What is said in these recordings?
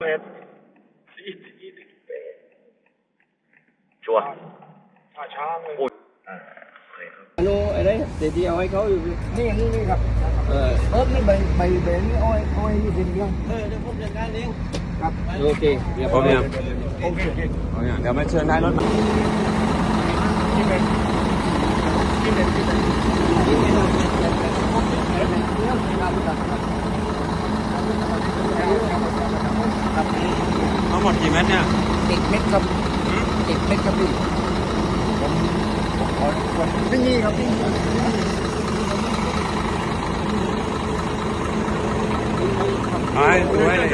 เนี่ยชัวร์ช้างเลยโน่ไอ้นี่เดี๋ยวเอาให้เขาอยู่นี่ครับนี่ใบนี่อ้อยนี่เป็นเรื่องเดี๋ยวผมจัดการเองครับโอเคเดี๋ยวผมเนี่ยโอเคเดี๋ยวมาเชิญท้ายรถมาทั้งหมดกี่เม็ดเนี่ย 10 เม็ดครับ10 เม็ดครับพี่ผมขอไม่มีครับพี่ไปดูให้เลย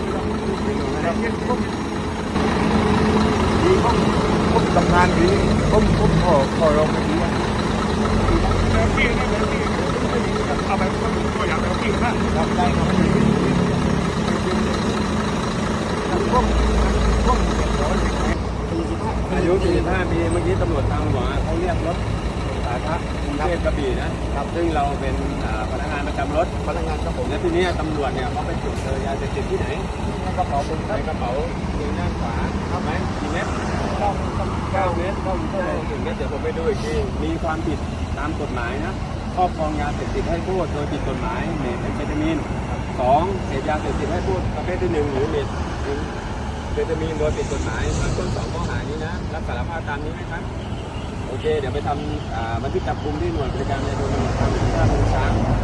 ผมทำงานดีผมขอลงไปดีเอาไปก็อยากไปกินนะครับได้ครับอายุ45 ปีเมื่อกี้ตำรวจทางหลวงเขาเรียกรถสาธารณะกรุงเทพกระบี่นะครับซึ่งเราเป็นพนักงานประจำรถพนักงานครับผมและทีนี้ตำรวจเนี่ยเขาไปตรวจเจอยาเสพติดที่ไหนกระเป๋าผมในกระเป๋าเพียงด้านขวาครับไหมกี่เม็ด9 เม็ดก็มีเท่าไหร่ถึงเม็ดเดี๋ยวผมไปดูอีกทีมีความผิดตามกฎหมายนะครอบครองยาเสพติดให้โทษโดยผิดกฎหมายเมทแอมเฟตามีน2เสพยาเสพติดให้โทษประเภทที่1หรือเมทแอมเฟตามีนโดยผิดกฎหมายต้น2ข้อหานี้นะรับสารภาพตามนี้ไหมครับโอเคเดี๋ยวไปทำบันทึกจับกุมที่หน่วยบริการในโรงพยาบาลท่าช้าง